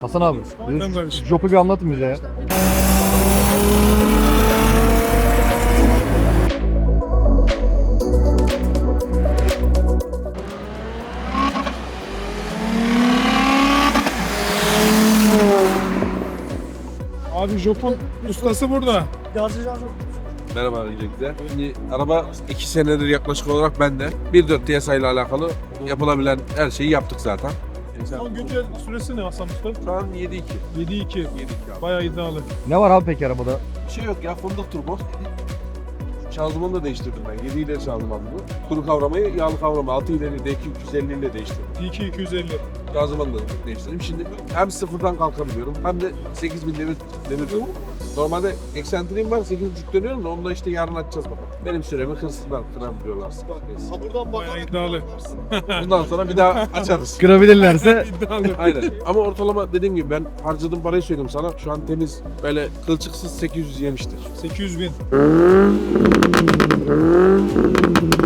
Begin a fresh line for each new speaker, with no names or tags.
Hasan abi,
Ben kardeşim.
Jop'u bir anlatın bize ya.
Abi Jop'un ustası burada.
Merhaba öncelikle. Şimdi araba 2 senedir yaklaşık olarak bende. 1.4 TSI ile alakalı yapılabilen her şeyi yaptık zaten.
Son güncel süresi ne Hasan Usta?
Şu an 7.2.
7.2.
7.2 abi.
Bayağı iddialı.
Ne var abi peki arabada?
Bir şey yok ya, fındık turbo. Şanzımanı da değiştirdim ben. 7 ileri şanzıman bu. Kuru kavramayı, yağlı kavramayı 6 ileri D2 250 ile değiştirdim.
D2 250.
Şanzımanı da değiştirdim. Şimdi hem sıfırdan kalkabiliyorum hem de 8000 demir Normalde eksentriğim var, 8.5 dönüyorum da onu da işte yarın açacağız bakalım. Benim süremi hırsızlar kırabiliyorlarsa.
Bayağı iddialı.
Bundan sonra bir daha açarız.
Kırabilirlerse
İddialı.
Aynen. Ama ortalama dediğim gibi ben harcadığım parayı söyleyeyim sana. Şu an temiz böyle kılçıksız 800 yemiştir.
800.000.